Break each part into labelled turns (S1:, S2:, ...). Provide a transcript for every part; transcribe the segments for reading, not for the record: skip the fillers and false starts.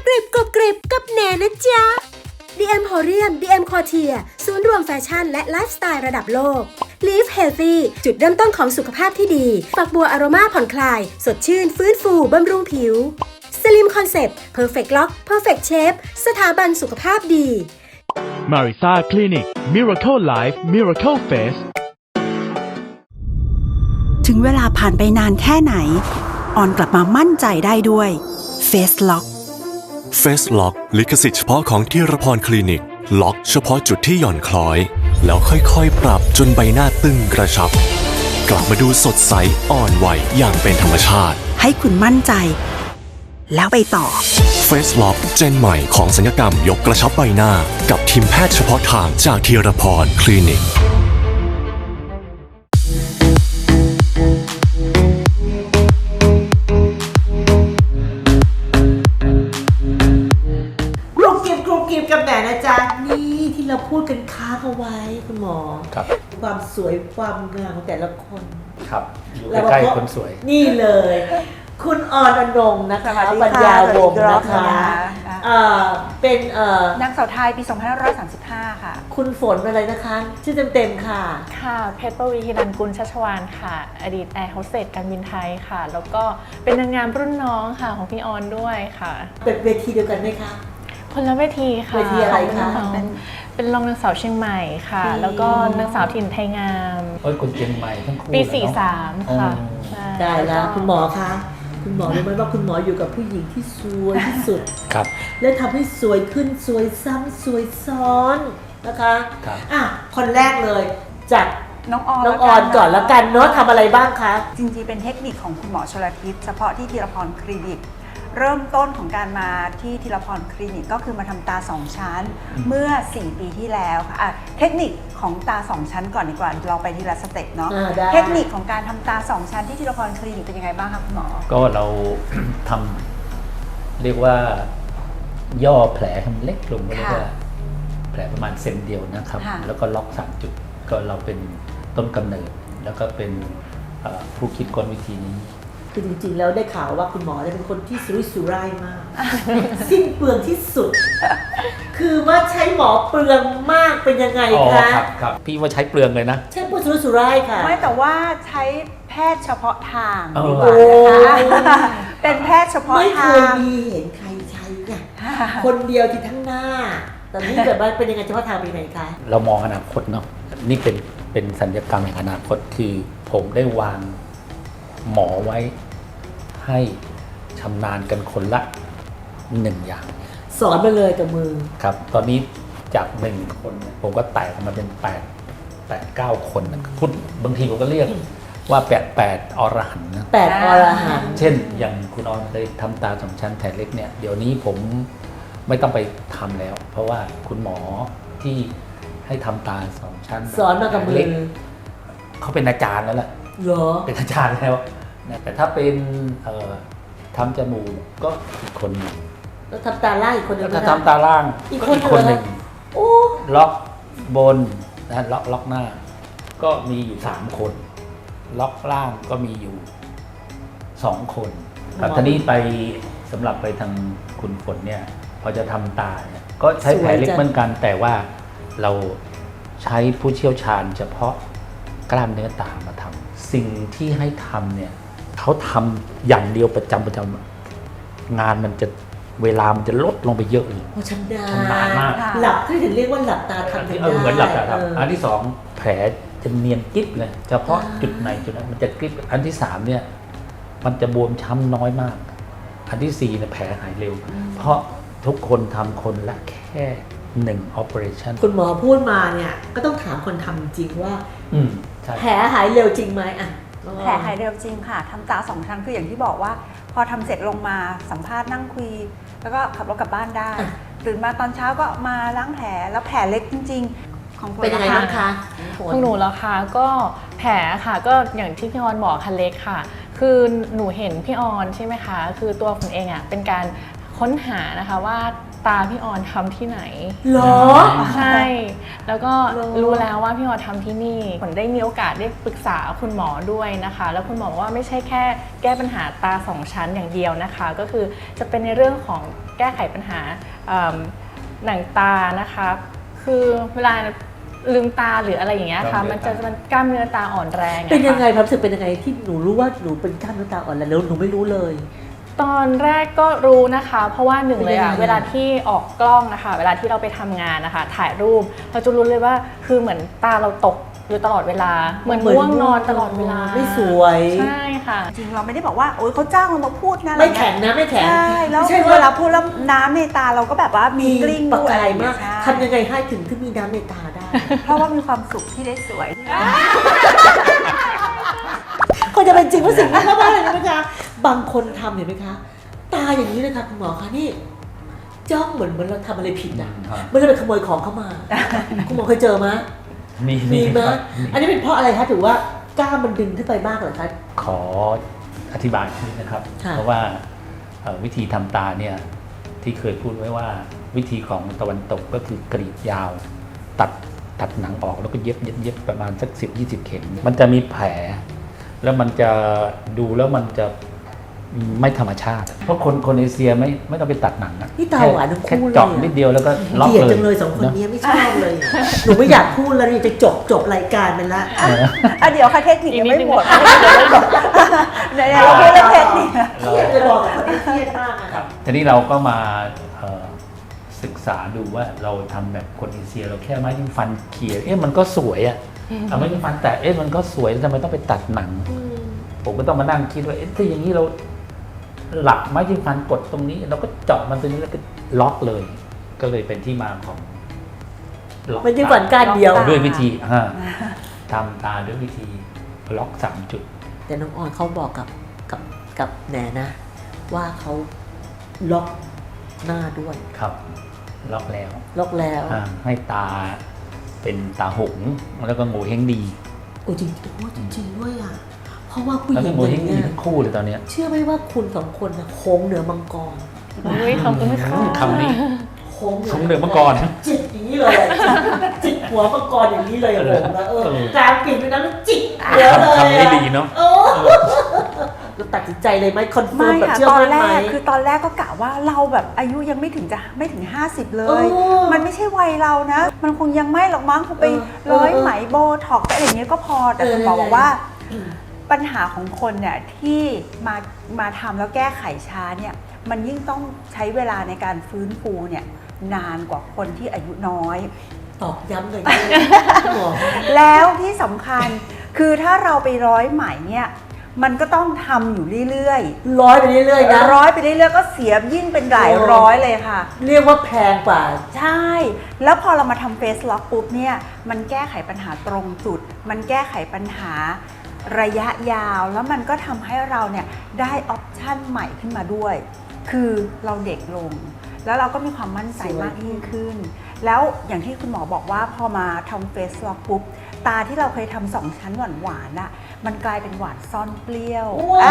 S1: กริบกรอบกริบกับแหนนะจ๊ะ DM Horium DM Couture ศูนย์รวมแฟชั่นและไลฟ์สไตล์ระดับโลก Live Healthy จุดเริ่มต้นของสุขภาพที่ดีฝักบัวอโรมาผ่อนคลายสดชื่นฟื้นฟูบำรุงผิว Slim Concept Perfect Lock Perfect Shape สถาบันสุขภาพดี
S2: Marisa Clinic Miracle Life Miracle Face
S3: ถึงเวลาผ่านไปนานแค่ไหนออนกลับมามั่นใจได้ด้วย Face Lock
S4: Face Lock ลิขสิทธิ์เฉพาะของธีรพรคลินิก ล็อกเฉพาะจุดที่หย่อนคล้อย แล้วค่อยๆปรับจนใบหน้าตึงกระชับ กลับมาดูสดใสอ่อนไหวอย่างเป็นธรรมชาติ
S3: ให้คุณมั่นใจ แล้วไปต่อ
S4: Face Lock เจนใหม่ของศัลยกรรมยกกระชับใบหน้า กับทีมแพทย์เฉพาะทางจากธีรพรคลินิก
S5: กับแหนนะจ๊ะนี่ที่เราพูดกันค้างเอาไว้คุณหมอครับความสวยความงามของแต่ละคน
S6: ครับอยู่ใกล้ๆคนสวย
S5: นี่เลยคุณออนอนงนะคะปัญญาวงศ์นะคะเป็น
S7: นางสาวไทยปี 2535 ค่ะ
S5: คุณฝนอะไรนะคะชื่อเต็มๆค่ะ
S8: ค่ะเพชรปวีฮิรัญกุลชัชวานค่ะอดีตแอร์โฮสเตสการบินไทยค่ะแล้วก็เป็นนางงามรุ่นน้องค่ะของพี่ออนด้วยค่ะ
S5: เป็นเวทีเดียวกันไหมคะ
S8: คนละเวทีค่ะ
S5: เวทีอะไรคะ
S8: เป็นรองนางสาวเชียงใหม่ค่ะแล้วก็นางสาวถิ่นไทยงาม
S6: คนเชียงใหม่ทั้งคู่
S8: ปี 43 ค่ะ
S5: ได้แล้วคุณหมอคะคุณหมอรู้ไหมว่าคุณหมออยู่กับผู้หญิงที่สวยที่สุด
S6: ครับ
S5: และทำให้สวยขึ้นสวยซ้ำสวยซ้อนนะคะคนแรกเลยจาก
S7: น้องอ
S5: อนก่อนแล้วกันเนาะทำอะไรบ้างคะ
S7: จริงๆเป็นเทคนิคของคุณหมอชลทิศเฉพาะที่ธีรพรคลินิกเริ่มต้นของการมาที่ธีรพรคลินิกก็คือมาทำตา2ชั้นเมื่อ4ปีที่แล้วค่ะเทคนิคของตา2ชั้นก่อนดีกว่าเราไปทีละสเต็ปเนาะเทคนิคของการทำตา2ชั้นที่ธีรพรคลินิกเป็นยังไงบ้างคะคุณหมอ
S6: ก็เรา ทำเรียกว่าย่อแผลให้มันเล็กลงเรียกว่าแผลประมาณเซนเดียวนะครับแล้วก็ล็อก3จุดก็เราเป็นต้นกำเนิดแล้วก็เป็นผู้คิดค้นวิธีนี้
S5: คือจริงๆแล้วได้ข่าวว่าคุณหมอเป็นคนที่สุรุ่ยสุร่ายมาก สิ้นเปลืองที่สุด คือว่าใช้หมอเปลืองมากเป็นยังไงคะ
S6: ครับพี่ว่าใช้เปลืองเลยนะ
S5: ใช้สุรุ่ยสุร่ายค่ะ
S7: ไม่แต่ว่าใช้แพทย์เฉพาะทางดีกว่านะคะเป็นแพทย์เฉพาะทาง
S5: ไม่เคยมีเห็นใครใช้เนี่ยคนเดียวที่ทั้งหน้าตอนนี้แบบว่าเป็นยังไงเฉพาะทางเป็นไหนคะ
S6: เรามองอนาคตเนาะนี่เป็นสัญญกรรมแห่งอนาคตคือผมได้วางหมอไว้ให้ชำนาญกันคนละ1อย่าง
S5: สอนไปเลยกับมือ
S6: ครับตอนนี้จาก1คนผมก็แตกออกมาเป็น8-9 คนพูดบางทีผมก็เรียกว่า8อรหันต์นะ
S5: 8อรหันต์
S6: เช่นอย่างคุณออนเคยทำตา2ชั้นแผลเล็กเนี่ยเดี๋ยวนี้ผมไม่ต้องไปทำแล้วเพราะว่าคุณหมอที่ให้ทำตา2ชั้น
S5: สอนมากับมือ
S6: เขาเป็นอาจารย์แล้วแหละเป็นอาจารย์แล้วแต่ถ้าเป็นทำจมูกก็อีกคนหนึ่ง
S5: แล้วทำตาล่างอีกคนหนึ่ง
S6: ถ้าทำตาล่างอีกคนหนึ่งล็อกบนนะล็อกหน้าก็มีอยู่3คนล็อกล่างก็มีอยู่2คนครับทีนี้ไปสำหรับไปทางคุณฝนเนี่ยพอจะทำตาเนี่ยก็ใช้แผลเล็กเหมือนกันแต่ว่าเราใช้ผู้เชี่ยวชาญเฉพาะกล้ามเนื้อตามาทำสิ่งที่ให้ทำเนี่ยเขาทำอย่างเดียวประจำงานมันจะเวลามันจะลดลงไปเยอะเลย
S5: ชำนาญมากหลับที่ถึงเรียกว่าหลับตาทำได้
S6: เหมือนหลับตาทำอันที่2แผลจะเนียนกิ๊บเลยเฉพาะจุดไหนจุดนั้นมันจะกิ๊บอันที่3เนี่ยมันจะบวมช้ำน้อยมากอันที่4เนี่ยแผลหายเร็วเพราะทุกคนทำคนละแค่1 operation
S5: คุณหมอพูดมาเนี่ยก็ต้องถามคนทำจริงว่าแผลหายเร็วจริงไหม
S7: แผลหายเร็วจริงค่ะทำตา2ชั้นคืออย่างที่บอกว่าพอทำเสร็จลงมาสัมภาษณ์นั่งคุยแล้วก็ขับรถกลับบ้านได้ตื่นมาตอนเช้าก็มาล้างแผลแล้วแผลเล็กจริงๆของ
S5: เป็นยังไงบ้างคะ
S8: ของหนูแล้วค่ะก็แผลค่ะก็อย่างที่พี่ออนบอกค่ะเล็กค่ะคือหนูเห็นพี่ออนใช่ไหมคะคือตัวคุณเองอ่ะเป็นการค้นหานะคะว่าตาพี่ออนทำที่ไหน
S5: เหรอ
S8: ใช่ แล้วก็
S5: เหรอ
S8: รู้แล้วว่าพี่ออนทำที่นี่ผลได้มีโอกาสได้ปรึกษาคุณหมอด้วยนะคะ แล้วคุณหมอบอกว่าไม่ใช่แค่แก้ปัญหาตาสองชั้นอย่างเดียวนะคะ ก็คือจะเป็นในเรื่องของแก้ไขปัญหาหนังตานะคะคือเวลาลืมตาหรืออะไรอย่างเงี้ยค่ะมันกล้ามเนื้อตาอ่อนแรงอะค่ะ
S5: เป็นยังไงความรู้สึกเป็นยังไงที่หนูรู้ว่าหนูเป็นกล้ามเนื้อตาอ่อนแรงแล้วหนูไม่รู้เลย
S8: ตอนแรกก็รู้นะคะ เพราะว่าหนึ่งเลยอะ
S5: เป็นยังไง
S8: เวลาที่ออกกล้องนะคะเวลาที่เราไปทำงานนะคะถ่ายรูปเราจะรู้เลยว่าคือเหมือนตาเราตกอยู่ตลอดเวลาเหมือนง่วงนอนตลอดเวลา
S5: ไม่สวย
S8: ใช่ค่ะ
S7: จริงเราไม่ได้บอกว่าโอ๊ยเขาจ้างเรามาพูดนะ
S5: ไม่แข็งนะไม่แข็ง
S7: ใช่แล้ว
S5: ไม่ใช่
S7: เว
S5: ว่า
S7: ลาพูดแล้วน้ำในตาเราก็แบบว่ามีกลิ้ง
S5: ประ
S7: ด้วย
S5: กายมาก
S7: ใช่
S5: ทำยังไงให้ถึงที่มีน้ำในตาได้
S7: เพราะว่ามีความสุขที่ได้สวย
S5: ก็จะเป็นจริงว่าสิ่งนี้มากๆเลยนะคะบางคนทำเห็นไหมคะ ตาอย่างนี้เลยค่ะคุณหมอคะนี่จ้องเหมือนเราทำอะไรผิดอ่ะ
S6: ครับ
S5: ไม่ได้ไปขโมยของเข้ามา คุณหมอเคยเจอไหม มีไหม
S6: ครับ
S5: อันนี้เป็นเพราะอะไรคะถือว่ากล้ามมันดึงขึ้นไปมากเหรอคะ
S6: ขออธิบายนิดนะครับ
S5: ค่ะ
S6: เพราะว่าวิธีทำตาเนี่ยที่เคยพูดไว้ว่าวิธีของตะวันตกก็คือกรีดยาว ตัดหนังออกแล้วก็เย็บประมาณสัก10-20 เข็ม มันจะมีแผล แล้วมันจะดูแล้วมันจะไม่ธรรมชาติ เพราะคนเอเชียไม่ต้องไปตัดหนังนะ
S5: นี่ตาหวานทั้ง
S6: แค่
S5: คู่เลย
S6: เจาะนิดเดียวแล้วก็ล็อก
S5: เกลียด
S6: เลย
S5: จังเลยสองคน
S6: นะ
S5: นี้ไม่ชอบเลยหนูไม่อยากพูดแล้วนี่จะจบรายการไปละ
S7: เดี๋ยวค่ะเทคนิคยังไม่
S8: อีกนิดนึง
S7: หมดเดี๋ยวเราพูดเรื่องเทคนิค
S5: เครียดเลยบอกกับคนที่เครียดมากอะ
S6: ทีนี้เราก็มาศึกษาดูว่าเราทำแบบคนเอเชียเราแค่ไม้จิ้มฟันเขี่ยมันก็สวยอะเอาไม้จิ้มฟันแต่มันก็สวยทำไมต้องไปตัดหนัง ผมก็ต้องมานั่งคิดว่าถ้าอย่างนี้เราหลับไม้จิ้มฟันกดตรงนี้เราก็เจาะมันตรงนี้แล้วก็ล็อกเลย ก็เลยเป็นที่มาของล็อก
S5: มันจะฝันการเดียว
S7: ล็อก
S6: ด้วยวิธีทำตาด้วยวิธีล็อก3 จุด
S5: แต่น้องออนเขาบอกกับแหนนะ ว่าเขาล็อกหน้าด้วย
S6: ครับ ล็อกแล้ว
S5: ล็อกแล้ว
S6: ให้ตาเป็นตาหงส์แล้วก็โงเฮงดี
S5: โอ้จริงโอ้จริงๆด้วยอ่ะเพราะว่าผู้ห
S6: แล้ว
S5: ญิ
S6: ก็
S5: ง
S6: โง
S5: อ
S6: เฮ
S5: ย่าง ง
S6: ดี
S5: เงี้ย
S6: ทั้งคู่เลยตอนเนี้ย
S5: เชื่อไหมว่าคุณสองคนนะโค้งเหนือมังกร
S8: อุ้ยขอบคุณค่ะ
S6: คำนี้
S5: โค้ง
S6: โค้งเหนือมังกร
S5: จิกอย่างนี้เลยอะจิกหัวมังกรอย่างนี้เลยอะผมนะกลางปีกนั้นจิกหัวเลย
S6: คำนี้ดีเนาะ
S5: เราตัดสินใจเลยไหมคอนเฟิ
S7: ไม่
S5: ร์มแบบ
S7: ค่ะ
S5: เชื่อ
S7: ตอน
S5: มั่น
S7: แร
S5: ไหม
S7: กคือตอนแรกก็กะว่าเราแบบอายุยังไม่ถึง50 เลย
S5: เออ
S7: มันไม่ใช่วัยเรานะ มันคงยังไม่หรอกมั้งคงไป
S5: เออ
S7: ร้อย
S5: เออ
S7: ไหมโบท็อกซ์อะไรอย่างเงี้ยก็พอแต่คุณหมอบอกว่า ปัญหาของคนเนี่ยที่มาทำแล้วแก้ไขช้าเนี่ยมันยิ่งต้องใช้เวลาในการฟื้นฟูเนี่ยนานกว่าคนที่อายุน้อย
S5: ตอกย้ำเลยคุณหมอ
S7: แล้วที่สำคัญคือถ้าเราไปร้อยไหมเนี่ยมันก็ต้องทำอยู่เรื่อย
S5: ร้อยไปเรื่อยๆนะ
S7: ร้อยไปเรื่อยๆก็เสียยิ่งเป็นหลายร้อยเลยค่ะ
S5: เรียกว่าแพงกว่า
S7: ใช่ แล้วพอเรามาทำเฟสล็อกปุ๊บเนี่ยมันแก้ไขปัญหาตรงจุด มันแก้ไขปัญหาระยะยาว แล้วมันก็ทำให้เราเนี่ยได้ออปชั่นใหม่ขึ้นมาด้วย คือเราเด็กลง แล้วเราก็มีความมั่นใจมากยิ่งขึ้น แล้วอย่างที่คุณหมอบอกว่าพอมาทำเฟสล็อกปุ๊บตาที่เราเคยทำ2 ชั้นหวานๆน่ะมันกลายเป็นหวานซ่อนเปรี้ยว
S5: ว้าว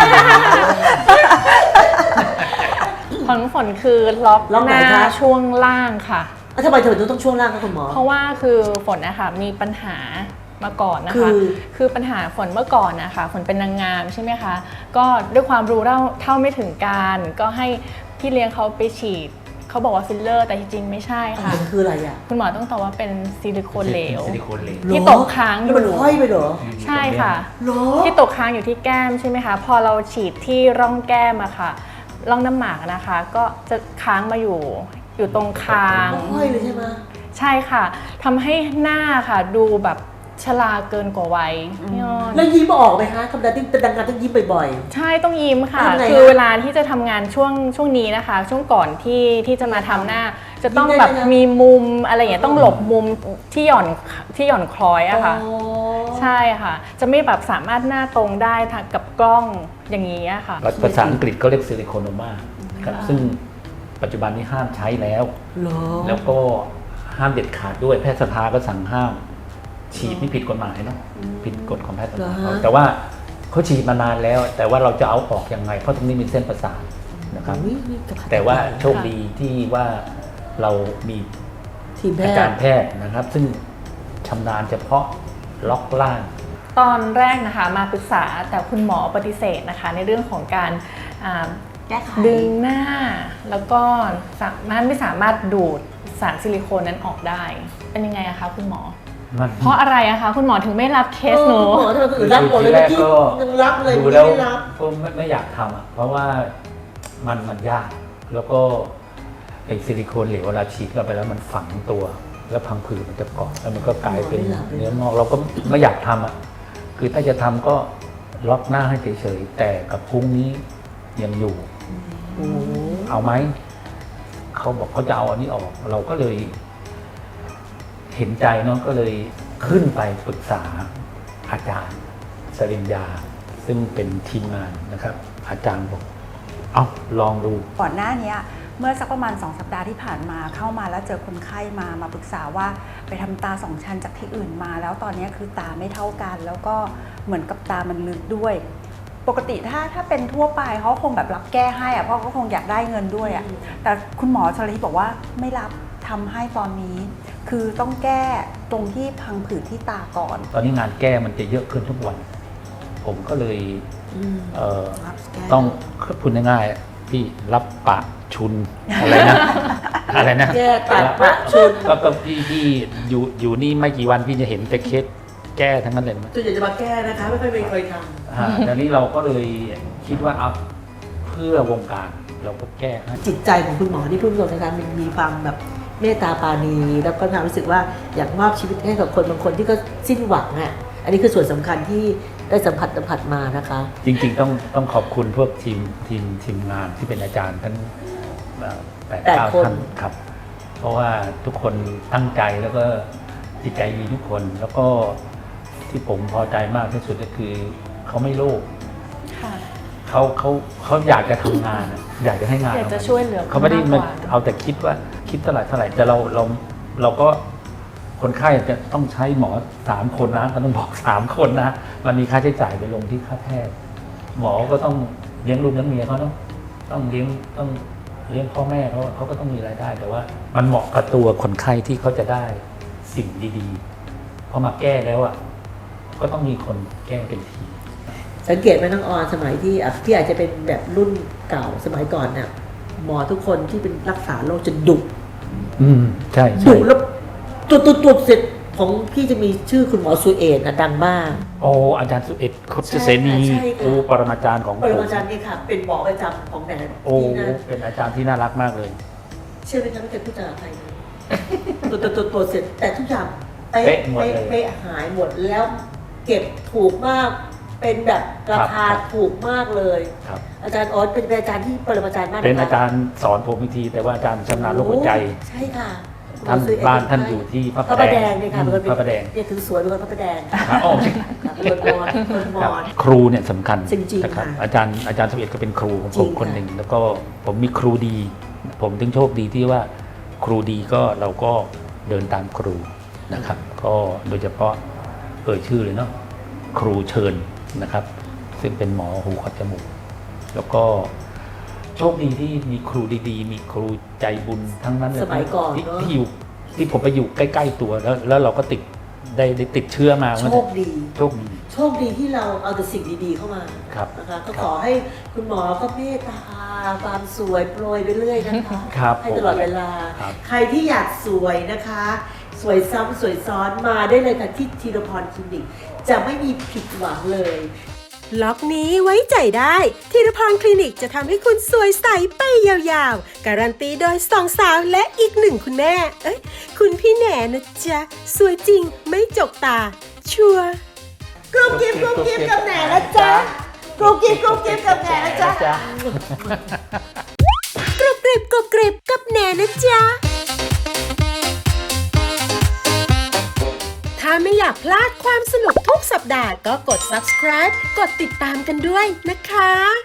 S8: ของฝนคือล็อก
S5: ล็อก
S8: ห
S5: ไหน
S8: น้า
S5: คะ
S8: ช่วงล่างค่ะ
S5: ทำไมเธอต้องช่วงล่างคะคุณหมอ
S8: เพราะว่าคือฝนนะคะมีปัญหามาก่อนนะคะ คือปัญหาฝนเมื่อก่อนนะคะฝนเป็นนางงามใช่ไหมคะ ก็ด้วยความรู้เท่าไม่ถึงการก็ให้พี่เลี้ยงเขาไปฉีดเขาบอกว่าฟิลเลอร์แต่จริงๆไม่ใช่ค่ะ
S5: มันคืออะไรอ่ะ
S8: คุณหมอต้องตอบว่าเป็นซิลิโคนเหลว
S6: ซิลิโคนเหลว
S8: ที่ตกค้างอยู่
S5: แล้วมันห้อยไปเหรอ
S8: ใช่ค่ะ
S5: เหรอ
S8: ที่ตกค้างอยู่ที่แก้มใช่ไหมคะ พอเราฉีดที่ร่องแก้มอะค่ะ ร่องน้ำหมากนะคะ ก็จะค้างมาอยู่ตรงคาง
S5: ห้อยเลยใช่ไหม
S8: ใช่ค่ะทำให้หน้าค่ะดูแบบชราเกินกว่าวัยพี่อ้อน
S5: แล้วยิ้มออกไหมคะธรรมดาที่เป็นดังงานต้องยิ้มบ่อย
S8: ใช่ต้องยิ้มค่ะ
S5: ทำไง
S8: คือ
S5: คะ
S8: เวลาที่จะทำงานช่วงนี้นะคะ ช่วงก่อนที่จะมาทำหน้า จะต้อง
S5: ยิ้มได้
S8: แบบ
S5: ไหมคะ
S8: มีมุมอะไรอย่างเงี้ยต้องหลบมุมที่หย่อนคล้อย
S5: ๆ
S8: อะค่ะ
S5: อ๋อ
S8: ใช่ค่ะ จะไม่แบบสามารถหน้าตรงได้ทางกับกล้องอย่างนี้อะค่ะ
S6: ภาษาอังกฤษเขาเรียกซิลิโคนโนมาครับซึ่งปัจจุบันนี้ห้ามใช้แล้ว
S5: เหรอ
S6: แล้วก็ห้ามเด็ดขาดด้วยแพทยสภาก็สั่งห้าม ฉีดนี่ผิดกฎหมายเนาะผิดกฎของแพทยสภาแต่ว่าเขาฉีดมานานแล้ว แต่ว่าเราจะเอาออกยังไงเพราะตรงนี้มีเส้นประสาทนะครับ
S5: อุ๊ยนี่กระพัด
S6: แต่ว่า
S5: ค่ะ
S6: โชคดีที่ว่าเรามี
S5: ทีมแพ
S6: อา
S5: ท
S6: จาร
S5: ย์
S6: ย์แพทย์นะครับ ซึ่งชำนาญเฉพาะล็อกล่าง
S8: ตอนแรกนะคะมาปรึกษาแต่คุณหมอปฏิเสธนะคะในเรื่องของการ
S7: แก้ไข
S8: ดึงหน้า แล้วก็ไม่สามารถดูดสารซิลิโคนนั้นออกได้ เป็นยังไงอะคะคุณหมอ
S6: มัน
S8: เพราะอะไรอะคะคุณหมอถึงไม่รับเคสหนู
S5: หมอเธอคือรับหมดเลยเมื่อกี้ยังรับเลย
S6: ดู
S5: ไม่
S6: แล้ว
S5: ได้รับ
S6: ก็ไม่อยากทำอ่ะเพราะว่ามันยาก แล้วก็ไอซิลิโคนเหลวเวลาฉีดเข้าไปแล้วมันฝังตัว แล้วพังผืดมันจะเกาะแล้วมันก็กลายเป็นเนื้องอกเราก็ไม่อยากทำอ่ะคือถ้าจะทำก็ล็อกหน้าให้เฉยๆแต่กับพุ้งนี้ยังอยู่
S5: โอ้โห
S6: เอาไหมเขาบอกเขาจะเอาอันนี้ออก เราก็เลย เห็นใจเนาะก็เลยขึ้นไปปรึกษาอาจารย์สริญญา ซึ่งเป็นทีมงานนะครับ อาจารย์บอกเอาลองดู
S7: ก่อนหน้านี้เมื่อสักประมาณ2 สัปดาห์ที่ผ่านมาเข้ามาแล้วเจอคนไข้มาปรึกษาว่าไปทำตา2 ชั้นจากที่อื่นมา แล้วตอนนี้คือตาไม่เท่ากัน แล้วก็เหมือนกับตามันลึกด้วย ปกติถ้าเป็นทั่วไปเขาคงแบบรับแก้ให้อะเพราะเขาคงอยากได้เงินด้วยอะแต่คุณหมอชลทิศบอกว่าไม่รับทำให้ตอนนี้ คือต้องแก้ตรงที่พังผืดที่ตาก่อน
S6: ตอนนี้งานแก้มันจะเยอะขึ้นทุกวัน ผมก็เลย
S5: รับแก้
S6: ต้องพูดง่ายๆพี่รับปะชุนอะไรนะ อะไรนะ
S5: แก้ตัดปะชุน
S6: ก็พี่อยู่นี่ไม่กี่วันพี่จะเห็นแต่เคสแก้ทั้งนั้นเลยมั้ย
S5: ส่วนใหญ่จะมาแก้นะคะไม่ค่อยมีใครท
S6: ตอนนี้เราก็เลยคิดว่าเอาเพื่อวงการเราก็แก้ให้
S5: ำจิตใจของคุณหมอที่พูดตรงนะคะมันมีความแบบเมตตาปราณีแล้วก็ความรู้สึกว่าอยากมอบชีวิตให้กับคนบางคนที่ก็สิ้นหวังอ่ะอันนี้คือส่วนสำคัญที่ได้สัมผัสมานะคะ
S6: จริงๆต้องขอบคุณพวกทีมงานที่เป็นอาจารย์ทั้ง8-9 ท่านครับ เพราะว่าทุกคนตั้งใจแล้วก็จิตใจดีทุกคน แล้วก็ที่ผมพอใจมากที่สุดก็คือเขาไม่โลภ
S8: ค่ะ
S6: เขาอยากจะทำงานอะอยากจะให้งาน
S8: อยากจะช่วยเหลือ
S6: เขาไม่ได้
S8: คน
S6: มาม
S8: ากกว่า
S6: เอาแต่คิดว่าคิดเท่าไหร่แต่เราก็คนไข้จะต้องใช้หมอ3 คนนะก็ต้องบอก3 คนนะมันมีค่าใช้จ่ายไปลงที่ค่าแพทย์หมอก็ต้องเลี้ยงลูกเลี้ยงเมียเขาต้องเลี้ยงพ่อแม่เขาก็ต้องมีรายได้ แต่ว่ามันเหมาะกับตัวคนไข้ที่เขาจะได้สิ่งดีๆพอมาแก้แล้วอ่ะก็ต้องมีคนแก้เป็นที
S5: สังเกตไหมน้องออนสมัยที่อาจจะเป็นแบบรุ่นเก่าสมัยก่อนน่ะหมอทุกคนที่เป็นรักษาโรคจะดุ
S6: ใช่
S5: ดุแล้วตัวเสร็จของพี่จะมีชื่อคุณหมอสุเอตนะดังมาก
S6: โอ้อาจารย์สุเอตคดเสนี
S5: ใช่ค่ะ
S6: โอ้ปรมาจารย์ของ
S5: ปรมาจารย์นี่ค่ะเป็นหมอประจำของแหน
S6: โอ้
S5: ที่นั่น
S6: เป็นอาจารย์ที่น่ารักมากเลย
S5: เชื่อไหมคะไม่เคยพูดจากับใครเลยตัวเสร็จแต่ทุกอย่าง
S6: เป๊ะหมดเลย
S5: เป๊ะหายหมดแล้วเก็บถูกมากเป็นแบบราคา
S6: ครับ
S5: ถูกมากเลย
S6: ครับ
S5: อาจารย์ออสเป็นอาจารย์ที่ปรมาจารย์มากะคะ
S6: เป็นอาจารย์สอนผมวิธีแต่ว่าอาจารย์ชำนาญโรคหัวใจ
S5: ใช่ค่ะ
S6: ท่านบ้านท่านอยู่ที่พระ
S5: พระประแดงเนี่ยค่ะ
S6: พระประแดง
S5: เนี่ยถึงสวยเป็นคนพระประแดง
S6: ครับอ๋อ
S5: คนมอญคนม
S6: ครับ
S5: อญ
S6: ครูเนี่ยสำคัญ
S5: จริงๆ
S6: นะครับ
S5: ค่ะ
S6: อาจารย์สุเอตก็เป็นครูของ
S5: จริ
S6: ผม
S5: งค่ะ
S6: คนหนึ่งแล้วก็ผมมีครูดี ผมถึงโชคดีที่ว่าครูดีก็เราก็เดินตามครูนะครับ ก็โดยเฉพาะชื่อเลยเนาะครูเชิญนะครับ ซึ่งเป็นหมอหูคอจมูกแล้วก็โชคดีที่มีครูดีๆ มีครูใจบุญทั้งนั้นเลย
S5: สมัยก่อน
S6: ที่
S5: เนอะ
S6: ที่อยู่ที่ผมไปอยู่ใกล้ๆตัวแล้วเราก็ได้ติดเชื้อมา
S5: โชคดี
S6: โชคดี
S5: โชคดีที่เราเอาแต่สิ่งดีๆเข้ามา
S6: ครับ
S5: นะคะก็
S6: ครับ
S5: ขอให้คุณหมอก็เมตตาความสวยโปรยไปเรื่อยนะคะ
S6: ครับ
S5: ให้ตลอดเวลา
S6: ครับ
S5: ใครที่อยากสวยนะคะ สวยซ้ำสวยซ้อนมาได้เลยค่ะที่ธีรพรคลินิกจะไม่มีผิดหวังเลย
S1: ล็อกนี้ไว้ใจได้ธีรพรคลินิกจะทำให้คุณสวยใสไปยาวๆ การันตีโดย2 สาวและอีก1 คุณแม่ คุณพี่แหน่นะจ๊ะ สวยจริงไม่จกตา ชัวร์
S5: กรุ๊ปกิ๊บกับแหน่นะจ๊ะกรุ๊ปกิ๊บกับแหน่นะจ๊ะ
S1: กรุบกริบกับแหน่นะจ๊ะ ถ้าไม่อยากพลาดความสนุกทุกสัปดาห์ก็กด subscribe กดติดตามกันด้วยนะคะ